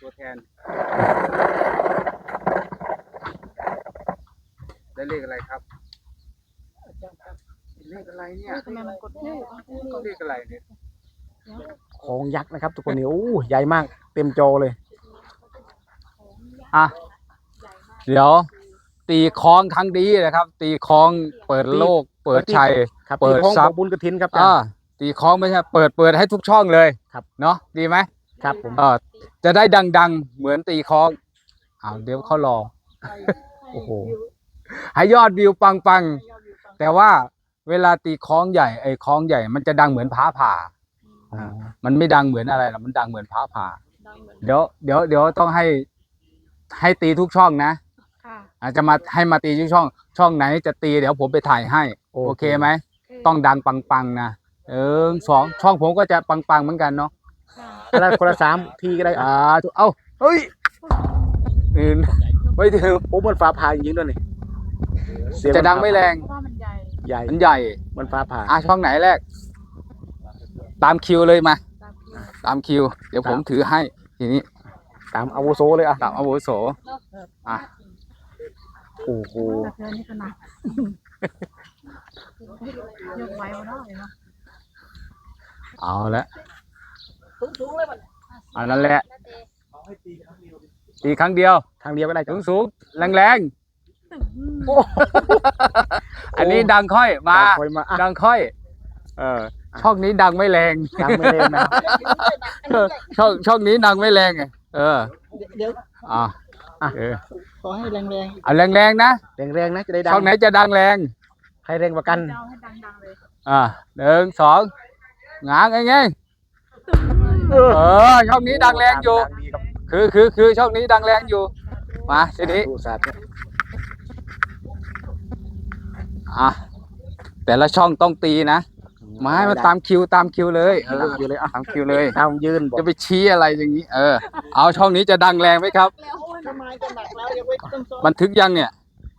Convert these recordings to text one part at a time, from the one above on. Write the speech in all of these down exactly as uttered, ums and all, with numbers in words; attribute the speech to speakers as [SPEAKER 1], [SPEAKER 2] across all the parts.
[SPEAKER 1] ตัวแทนได้เลขอะไรครับเลขอะไรเนี่ยเลขอะไรเนี่ย
[SPEAKER 2] ของยักษ์นะครับทุกคนนี่โอ้ใหญ่มากเต็มจอเลยอ่ะเดี๋ยวตีคล้องครั้งดีนะครับตีคล้องเปิดโลกเปิดชัยเปิดทรัพย์บุญกฐินครับ
[SPEAKER 1] อ่าตีคล้องไม่ใช่เปิดเปิดให้ทุกช่องเลยครับเนาะดีไหม
[SPEAKER 2] ครับผม
[SPEAKER 1] เออจะได้ดังๆเหมือนตีคล้องอ้าวเดี๋ยวเขารอโอ้โหให้ยอดวิวปังๆแต่ว่าเวลาตีคล้องใหญ่ไอ้คล้องใหญ่มันจะดังเหมือนฟ้าผ่ามันไม่ดังเหมือนอะไรหรอกมันดังเหมือนฟ้าผ่าเดี๋ยวเดี๋ยวเดี๋ยวต้องให้ให้ตีทุกช่องนะอาจจะมาให้มาตีทุกช่องช่องไหนจะตีเดี๋ยวผมไปถ่ายให้โอเคไหมต้องดังปังๆนะเออสองช่องผมก็จะปังๆเหมือนกันเนาะ
[SPEAKER 2] แล้วคนละสามทีก็ได้
[SPEAKER 1] อ่าเอ้าเฮ้ยอื่นไม่ถึง
[SPEAKER 2] โอ้มันฟ้าผ่าจริงๆด้วยนี่
[SPEAKER 1] จะดังไม่แรง
[SPEAKER 2] ใหญ่
[SPEAKER 1] มันใหญ่
[SPEAKER 2] มันฟ้าผ่า
[SPEAKER 1] อ่ะช่องไหนแรกตามคิวเลยมาตามคิวเดี๋ยวผมถือให้ทีนี้
[SPEAKER 2] ตามอาวุโสเลยอ่ะ
[SPEAKER 1] ตามอาวุโสอ่ะ
[SPEAKER 2] โอ้โห
[SPEAKER 3] ยกไว้มาได้เนาะ
[SPEAKER 1] เอาละอันนั้นแหละตีครั้งเดียว
[SPEAKER 2] ครั้งเดียวก็ได้
[SPEAKER 1] สูงสูงแรงแรงอันนี้ดังค่อยมาดังค่อยเออช่องนี้ดังไม่แรง
[SPEAKER 2] ดังไม่แรงนะ
[SPEAKER 1] ช่องช่องนี้ดังไม่แรงไงเออ
[SPEAKER 3] เดี๋ยว
[SPEAKER 1] อ่าเออ
[SPEAKER 3] ขอให้แรงแรง
[SPEAKER 1] เอาแรงแรงนะ
[SPEAKER 2] แรงแรงนะจะได้ดัง
[SPEAKER 1] ช่องไหนจะดังแรง
[SPEAKER 2] ใครแรงกว่ากัน
[SPEAKER 1] อ่าหนึ่งสองงางไงไงเออช่องนี้ดังแรงอยู่คือคือคือช่องนี้ดังแรงอยู่มาทีนี้อ่ะแต่ละช่องต้องตีนะมาให้มาตามคิวตามคิวเลยเออคิวเลยอ่ะตามคิวเลย
[SPEAKER 2] ตามยืน
[SPEAKER 1] จะไปชี้อะไรอย่างนี้เออเอาช่องนี้จะดังแรงไหมครับบันทึกยังเนี่ย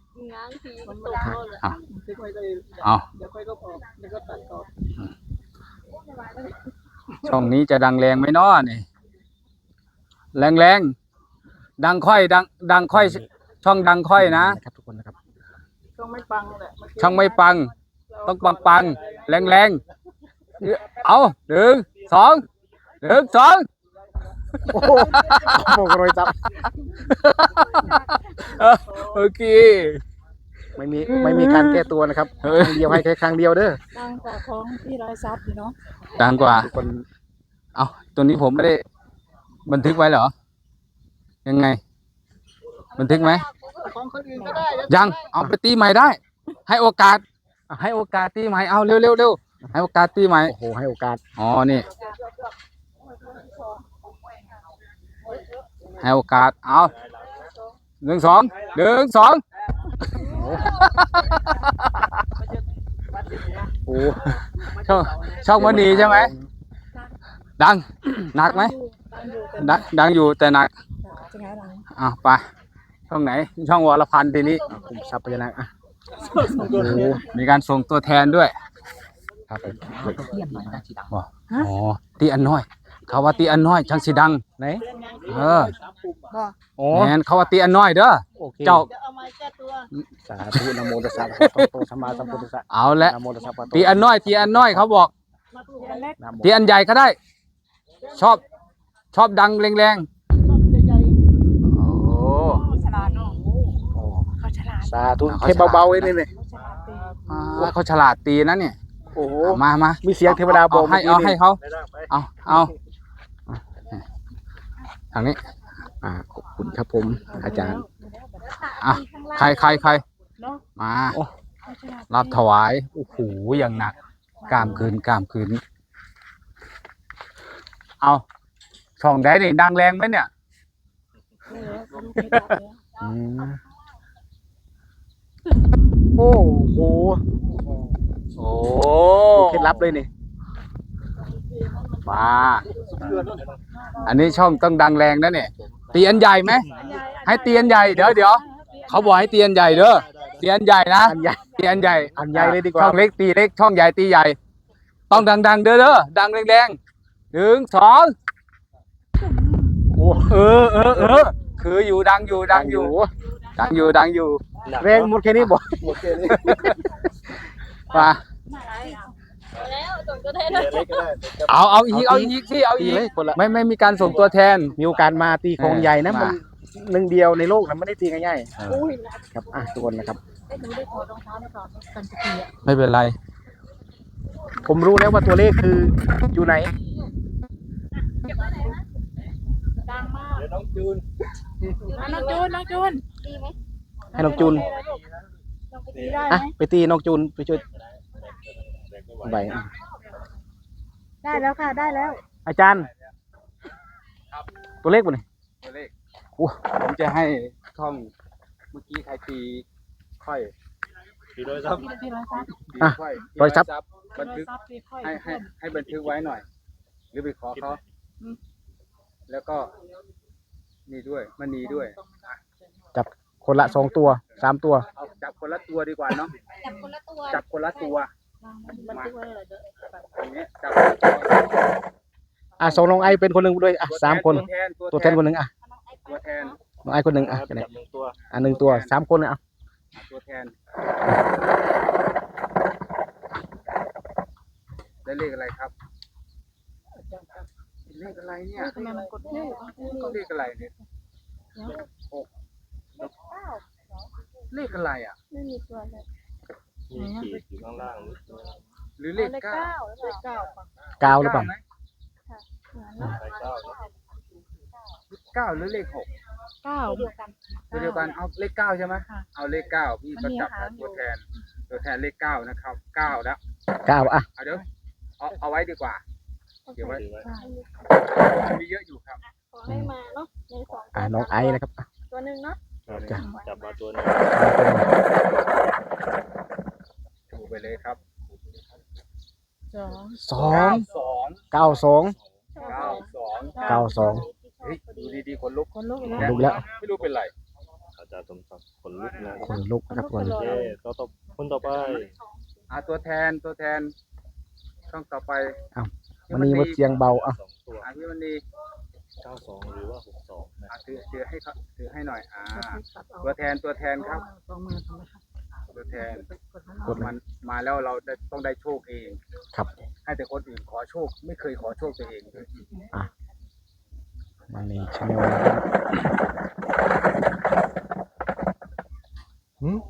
[SPEAKER 1] เอาช่องนี้จะดังแรงไหมน้อนี่แรงแรงดังค่อยดังดังค่อยช่องดังค่อยนะครับ
[SPEAKER 2] ทุกคนนะครับ
[SPEAKER 3] ช่องไม่ปังแหละ
[SPEAKER 1] ช่องไม่ปังต้องปังปังแรงแรงเอาหนึ่งสองหนึ่งสอง
[SPEAKER 2] โอ้โหโมกรอยจับ
[SPEAKER 1] โอเค
[SPEAKER 2] ไม่มีไม่มีการแก้ตัวนะครับครั้งเดียวให้แค่ครั้งเดียวเด้อ
[SPEAKER 3] ดังกว่าของที่ร้อยซับอยู่เนาะ
[SPEAKER 1] ดังกว่าคนเอาตัวนี้ผมไม่ได้บันทึกไว้เหรอยังไงบันทึกไหมยังเอาไปตีใหม่ได้ให้โอกาสให้โอกาสตีใหม่เอาเร็วเร็วเร็วให้โอกาสตีใหม่
[SPEAKER 2] โอ้โหให้โอกาส
[SPEAKER 1] อ๋อนี่ให้โอกาสเอาหนึ่งสองหนึ่งสอง
[SPEAKER 2] โอ้
[SPEAKER 1] ช่องช่องมันดีใช่ไหมดังหนักไหมดังดังอยู่แต่หนักอ่ะไปช่องไหนช่องวรพันธ์ทีนี้
[SPEAKER 2] ผมซับไปนะอ่ะ
[SPEAKER 1] มีการส่งตัวแทนด้วย
[SPEAKER 2] ครับ
[SPEAKER 1] บอกอ๋อตีอันน้อยเขาว่าตีอันน้อยช่างสีดัง
[SPEAKER 2] ไหน
[SPEAKER 1] เออโอ้แมนเขาว่าตีอันน้อยเด้อเจ้า
[SPEAKER 2] สาธุนะโมตัสสะภะคะวะโตสัมมาสัมพุทธัสสะ
[SPEAKER 1] เอาละ
[SPEAKER 2] นะโมตัสสะภะคะวะโต
[SPEAKER 1] ตีอันน้อยตีอันน้อยเขาบอกตีอันใหญ่ก็ได้ชอบชอบดังแรงๆโอ้
[SPEAKER 3] ฉลาดเนาะเขาฉลาด
[SPEAKER 2] สาธุเทปเบาๆเองนี่
[SPEAKER 1] เขาฉลาดตีนะเนี่ย
[SPEAKER 2] โอ้โห
[SPEAKER 1] มามา
[SPEAKER 2] มีเสียงเทวดาบอก
[SPEAKER 1] ให้เอาให้เขาเอาเอาทางนี้
[SPEAKER 2] อ่าขอบคุณครับผมอาจารย์
[SPEAKER 1] อ่ะใครใครใครมารับถวายโอ้โหอย่างหนักกล้ามคืนกล้ามคืนเอาช่องได้นี่ดังแรงไหมเนี่ย
[SPEAKER 2] โอ้โห
[SPEAKER 1] โอ้
[SPEAKER 2] เคล็ดลับเลยนี่
[SPEAKER 1] มาอันนี้ช่องต้องดังแรงนะเนี่ยตีอันใหญ่ไหมให้ตีอันใหญ่เดี๋ยวเดี๋ยวเขาบอกให้ตีอันใหญ่เด้อตีอันใหญ่นะตีอันใหญ่
[SPEAKER 2] อันใหญ่เลยดีกว่า
[SPEAKER 1] ช่องเล็กตีเล็กช่องใหญ่ตีใหญ่ต้องดังๆเด้อเด้อดังแรงๆหนึ่งสองโอ้
[SPEAKER 2] อ้
[SPEAKER 1] เออเออเออคืออยู่ดังอยู่ดังอยู่ดังอยู่ดังอยู่
[SPEAKER 2] แรงหมดแค่นี้บ่
[SPEAKER 4] หมดแค่นี้
[SPEAKER 1] มา
[SPEAKER 3] แล้วส่งตัวแทน
[SPEAKER 4] เดี๋ยวเล็กก็ได้
[SPEAKER 1] เอาเอาอีกเอาอีกที่เอา
[SPEAKER 2] ตี
[SPEAKER 1] อีก
[SPEAKER 2] เลยคนละ
[SPEAKER 1] ไม่ไม่มีการส่งตัวแทน
[SPEAKER 2] มีโอกาสมาตีของใหญ่นะ
[SPEAKER 1] เออ
[SPEAKER 2] มันหนึ่งเดียวในโลกนะไม่ได้ตีง่าย
[SPEAKER 3] อุ้ย
[SPEAKER 2] ๆครับอ่ะทุกคนนะครับ
[SPEAKER 3] ได้หนูได้ขอรองเท้ามาก่อนกันจะเกีย
[SPEAKER 1] ไม่เป็นไร
[SPEAKER 2] ผมรู้แล้วว่าตัวเลขคืออยู่ไหน
[SPEAKER 3] ดังมาก
[SPEAKER 4] เดี๋ยวน้องจูน
[SPEAKER 3] น้องจูนน้องจูน
[SPEAKER 2] ให้น้องจูน
[SPEAKER 3] ลองไปตีได้
[SPEAKER 2] อ่ะ
[SPEAKER 3] ไหม
[SPEAKER 2] ไปตีน้องจูนไปช่วยใบอ่ะ
[SPEAKER 3] ได้แล้วค่ะได้แล้ว
[SPEAKER 2] อาจารย์ ตัวเลขบ่นี่
[SPEAKER 1] ตัวเลขผมจะให้ท่องเมื่อกี้ใครตีค่อย
[SPEAKER 4] ตีโดยซ้ำ
[SPEAKER 3] ตีร้อยซับ
[SPEAKER 1] ตีค่อย
[SPEAKER 2] ร้อยซับ
[SPEAKER 1] บันทึก
[SPEAKER 3] ซับตีค่อย
[SPEAKER 1] ให้ให้ให้บันทึกไว้หน่อย หรือไปขอเขาแล้วก็นี่ด้วยมันนีด้วย
[SPEAKER 2] จับคนละสองตัวสามตัว
[SPEAKER 1] เอาจับคนละตัวดีกว่าเนาะ
[SPEAKER 3] จับคนละตัว
[SPEAKER 1] จับคนละตัว
[SPEAKER 3] มันทึกไว้เลยเด้อ
[SPEAKER 1] อย่างเงี้ยจับคนละตัว
[SPEAKER 2] อ่ะส่งน้องไอเป็นคนหนึ่งด้วยอ่ะสามคน
[SPEAKER 1] ตัวแทน
[SPEAKER 2] ตัวแทนคนหนึ่งอ่ะ
[SPEAKER 1] ตัวแทน
[SPEAKER 2] น้องไอคนหนึ่งอ่ะ
[SPEAKER 4] จับหนึ่งตัว
[SPEAKER 2] อ่ะหนึ่งตัวสามคนเลยอ่ะ
[SPEAKER 1] ตัวแทนได้เลขอะไรครับเลขอะไรเนี่ย
[SPEAKER 3] ทำไมมันกดไม่ได้
[SPEAKER 1] เลขอะไรเนี่ยหกเลขอะไรอ่ะ
[SPEAKER 3] ไม่มีตัวเลย
[SPEAKER 4] มีขีดอยู่ข้างล่างนิดนึง
[SPEAKER 1] หรือเลขเก้า
[SPEAKER 3] เลขเก้า
[SPEAKER 2] เก้าหรือเปล่า
[SPEAKER 1] ไหม
[SPEAKER 4] ใส่เก้าเนอะ
[SPEAKER 1] เก้าหรือเลขหก
[SPEAKER 3] เก้าเดียวกัน
[SPEAKER 1] ตัวเดียวกันเอาเลขเก้าใช่ไหม
[SPEAKER 3] ค่ะ
[SPEAKER 1] เอาเลขเก้าพี่ก็จับ
[SPEAKER 3] มันมีหางอยู่
[SPEAKER 1] ตัวแทน ตัวแทนเลขเก้านะครับเก้าแล้ว
[SPEAKER 2] เก้าอ่ะ
[SPEAKER 1] เอาเดี๋ยวเอาเอาไว้ดีกว่าเดี๋ยวไว้
[SPEAKER 4] ถือไว้
[SPEAKER 1] มีเยอะอยู่ครับ
[SPEAKER 3] ขอให้มาเนาะในสอง
[SPEAKER 2] อ่ะน้องไอนะครับอ่ะ
[SPEAKER 3] ตัวหนึ่งเนาะ
[SPEAKER 4] ครับ
[SPEAKER 2] จ้ะ
[SPEAKER 4] จับมาตัวหนึง
[SPEAKER 1] ถูไปเลยครับ
[SPEAKER 3] สอง
[SPEAKER 2] สอง
[SPEAKER 1] สอง
[SPEAKER 2] เก้าสอง
[SPEAKER 1] เก้าสอง
[SPEAKER 2] เก้าสอง
[SPEAKER 1] เฮ้ยดูดีๆคนลุก
[SPEAKER 3] คนลุกอีก
[SPEAKER 2] ข
[SPEAKER 3] แล้ว
[SPEAKER 2] นลุกแล้ว
[SPEAKER 1] ไม่รู้เป็นไร
[SPEAKER 4] อาจารย์สมศักดิ์ขนลุกนะ
[SPEAKER 2] คนลุกนะครับคน
[SPEAKER 4] โอ
[SPEAKER 2] ลุก
[SPEAKER 4] เคต่อต่อคนต่อไป
[SPEAKER 1] อ่าตัวแทนตัวแทนช่องต่อไป
[SPEAKER 2] มันนี่มาเสียงเบาอ่ะ
[SPEAKER 4] สองตัว
[SPEAKER 1] อ่าพี่มันนี
[SPEAKER 4] เก้าสองหรือว่าหกสองนะ
[SPEAKER 1] อ่าถือถือให้เขาถือให้หน่อยอ่าตัวแทนตัวแทนครับ
[SPEAKER 3] สองมือทำไมคะ
[SPEAKER 1] ตัวแทน
[SPEAKER 2] กด
[SPEAKER 1] มันมาแล้วเราได้ต้องได้โชคเอง
[SPEAKER 2] ครับ
[SPEAKER 1] ให้แต่คนอื่นขอโชค ไม่เคยขอโชคตัวเองเลย
[SPEAKER 2] มันนี่ชาแนลนะครับหืม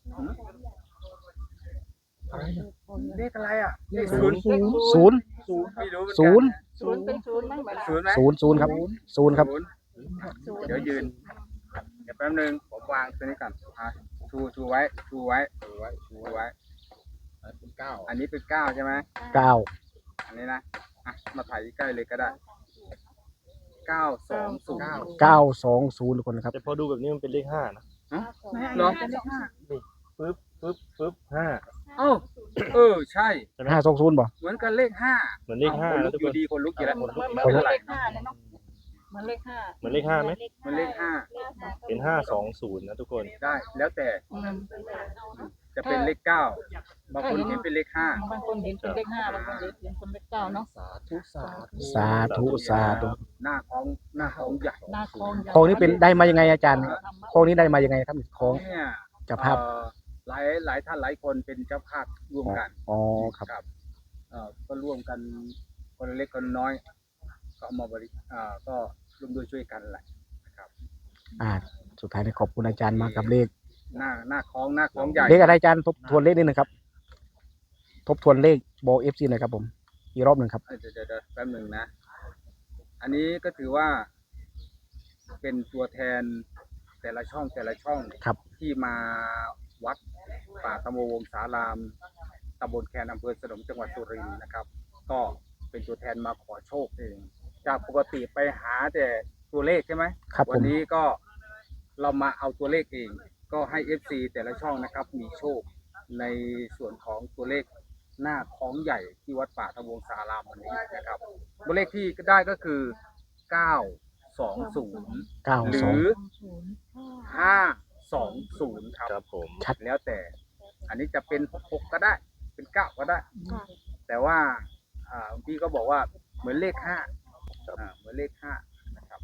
[SPEAKER 1] เลขอะไรอ่ะเลขศูนย์
[SPEAKER 2] ศูนย์
[SPEAKER 1] ศูนย์ไม่รู้เหมือนกัน
[SPEAKER 2] ศูนย์
[SPEAKER 3] ศูนย์เป็นศูนย์มั้งแบบ
[SPEAKER 1] ศูนย์ไหม
[SPEAKER 2] ศูนย์ศูนย์ครับศูนย์ครับ
[SPEAKER 1] ศูนย์เดี๋ยวยืนเดี๋ยวแป๊บนึงผมวางตัวนี้ก่อนอ่ะชูชูไว้ชูไว้ชูไว้ชูไว้เป็นเก้าอันนี้เป็นเก้าใช่ไหม
[SPEAKER 2] เก้า
[SPEAKER 1] อันนี้นะอ่ะมาถ่ายใกล้เลยก็ได้เก้าสองศูนย์
[SPEAKER 2] เก้าสองศูนย์ทุกคนนะครับ
[SPEAKER 4] แต่พอดูแบบนี้มันเป็นเลขห้านะ
[SPEAKER 1] เนาะ
[SPEAKER 3] เป็นเลขห้า
[SPEAKER 4] ปึ๊บปึ๊บปึ๊บห้า
[SPEAKER 1] เอ้าเออใช่
[SPEAKER 4] ใช่ไหม
[SPEAKER 2] ห้าสองศูนย์บ่
[SPEAKER 1] เหมือนกันเลขห้า
[SPEAKER 4] เหมือนเลขห้า
[SPEAKER 1] คนลุ
[SPEAKER 4] นะ
[SPEAKER 1] ก
[SPEAKER 4] ทุก
[SPEAKER 1] อ
[SPEAKER 4] ค
[SPEAKER 1] ยู่
[SPEAKER 4] น
[SPEAKER 1] ดีคนลุกอยู่แล้ว
[SPEAKER 3] เหมือน
[SPEAKER 1] คน
[SPEAKER 3] เหมื
[SPEAKER 1] ลุ
[SPEAKER 3] อก น
[SPEAKER 1] ไม่
[SPEAKER 3] เล
[SPEAKER 1] เป็นไร
[SPEAKER 3] ขห้าเลยเนาะเหมือนเลขห้า
[SPEAKER 4] เหมือนเลขห้าไหม
[SPEAKER 1] มันเลขห้า
[SPEAKER 4] เป็นห้าสองศูนย์นะทุกคน
[SPEAKER 1] ได้แล้วแต่
[SPEAKER 3] อืม
[SPEAKER 1] จะเป็นเลขเก้าบางคนเห็นเป็นเลขห้า
[SPEAKER 3] บางคนเห็นเป็นเลขห้าบางคนเห็นเป็นเลขเก้าเนาะ
[SPEAKER 4] สาธุสาธุ
[SPEAKER 2] สาธุสาธุ
[SPEAKER 1] หน้าของหน้าของใหญ่
[SPEAKER 3] หน้าคลอง
[SPEAKER 2] ของนี้เป็นได้มายังไงอาจารย์ของนี้ได้มายังไงครับของ
[SPEAKER 1] เนี่ย
[SPEAKER 2] เจ้าภาพ
[SPEAKER 1] เอ่อหลายหลายท่านหลายคนเป็นเจ้าภาพร่วมกัน
[SPEAKER 2] อ๋อครับ
[SPEAKER 1] ครับเอ่อก็ร่วมกันคนเล็กคนน้อย ก็เอามาบริเอ่อก็ร่วมด้วยช่วยกันแหละนะครับ
[SPEAKER 2] อ่าสุดท้ายนี้ขอบคุณอาจารย์มากกับเลข
[SPEAKER 1] หน้าหน้าของหน้าของใหญ่
[SPEAKER 2] เลขอะไรอาจารย์ทบทวนเลขนิดหนึงครับ ทบทวนเลขบอกเอฟซีหน่อยครับผมอีกรอบหนึ่งครับ
[SPEAKER 1] เดี๋ยวเดี๋ยวเดี๋ยวแป๊บหนึ่งนะ อันนี้ก็ถือว่า เป็นตัวแทนแต่ละช่องแต่ละช่อง
[SPEAKER 2] ครับ
[SPEAKER 1] ที่มาวัดป่าตะโมวงศารามตำบลแคนอำเภอสนมจังหวัดสุรินทร์นะครับ ก็เป็นตัวแทนมาขอโชคเอง จากปกติไปหาแต่ตัวเลขใช่ไหม
[SPEAKER 2] ครับผม
[SPEAKER 1] วันนี้ก็เรามาเอาตัวเลขเอง ก็ให้ เอฟ ซี แต่ละช่องนะครับ มีโชคในส่วนของตัวเลขหน้าคล้องใหญ่ที่วัดป่าตะวงสารามวันนี้นะครับตัวเลขที่ได้ก็คือเก้าสองศูนย์
[SPEAKER 2] เก้า
[SPEAKER 1] หรื
[SPEAKER 2] สอง
[SPEAKER 1] อห้าสองศูนย์ครับ
[SPEAKER 4] ครับผม
[SPEAKER 2] ชัด
[SPEAKER 1] แล้วแต่ อันนี้จะเป็นหกก็ได้ เป็นเก้าก็ได้ แต่ว่าอ่าพี่ก็บอกว่าเหมือนเลขห้าอ่าเหมือนเลขห้านะครับ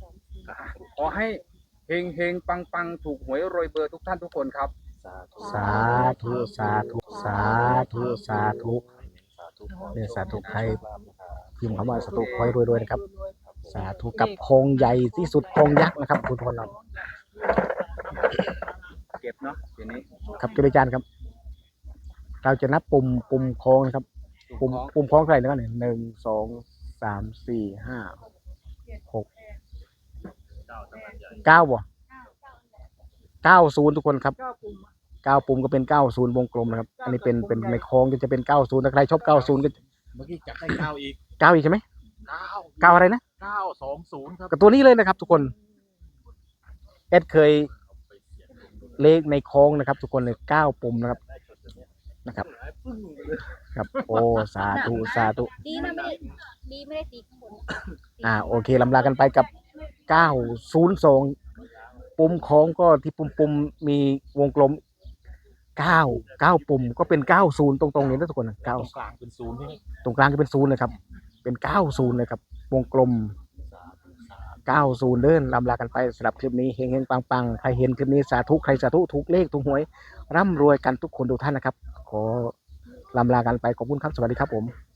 [SPEAKER 1] ขอให้เฮงเฮงปังปังถูกหวยรวยเบอร์ทุกท่านทุกคนครับ
[SPEAKER 4] สาธุ
[SPEAKER 2] สาธุสาธุสาธุสาธุ
[SPEAKER 4] สาธุ
[SPEAKER 2] เนี่ยสาธุใคร พิมพ์คำว่าสาธุคอยรวยๆนะครับ สาธุกับโพรงใหญ่ที่สุดโพรงยักษ์นะครับคุณทุกคนเรา
[SPEAKER 1] เก็บเนาะทีนี้
[SPEAKER 2] ครับเจริญจานครับ เราจะนับปุ่มปุ่มโค้งนะครับ ปุ่มปุ่มโค้งเท่าไหร่นะครับเนี่ยหนึ่งสองสามสี่ห้าหกเก้าบ่เก้าศูนย์ทุกคนครับ
[SPEAKER 3] เก้าปุ่ม
[SPEAKER 2] เก้าปุ่มก็เป็นเก้าศูนย์วงกลมนะครับ อันนี้เป็นเป็นในโค้งก็จะเป็นเก้าศูนย์ถ้าใครชอบเก้าศูนย์ก็
[SPEAKER 4] เมื่อกี้จับได้เก้าอีก
[SPEAKER 2] เก้าอีกใช่ไหม
[SPEAKER 4] เก้า
[SPEAKER 2] เก้าอะไรนะ
[SPEAKER 4] เก้าสองศูนย์ครับ
[SPEAKER 2] กับตัวนี้เลยนะครับ ทุกคนเอ็ดเคยเลขในโค้งนะครับ ทุกคนเลยเก้าปุ่มนะครับนะครับ ครับโอ้สาธุสาธุ
[SPEAKER 5] ดีนะไม่ได้ดีไม่ได้ตีข้างบน
[SPEAKER 2] อ่าโอเคลำลากันไปกับเก้าศูนย์สองปุ่มโค้งก็ที่ปุ่มปุ่มมีวงกลมเก้าเก้าปุ่มก็เป็นเก้าศูนย์ตรงๆนี้นะทุกคนนะ
[SPEAKER 4] ต
[SPEAKER 2] เก้า
[SPEAKER 4] รงกลางเป็นศูนย์ที่นี่
[SPEAKER 2] ตรงกลางก็เป็นศูนย์เลยครับ เป็นเก้าศูนย์เลยครับวงกลมเก้าศูนย์เดินลำลากันไปสำหรับคลิปนี้เฮงเฮงปังปังใครเห็นคลิปนี้สาธุใครสาธุถูกเลขถูกหวยร่ำรวยกันทุกคนทุกท่านนะครับ ขอลำลากันไปขอบคุณครับสวัสดีครับผม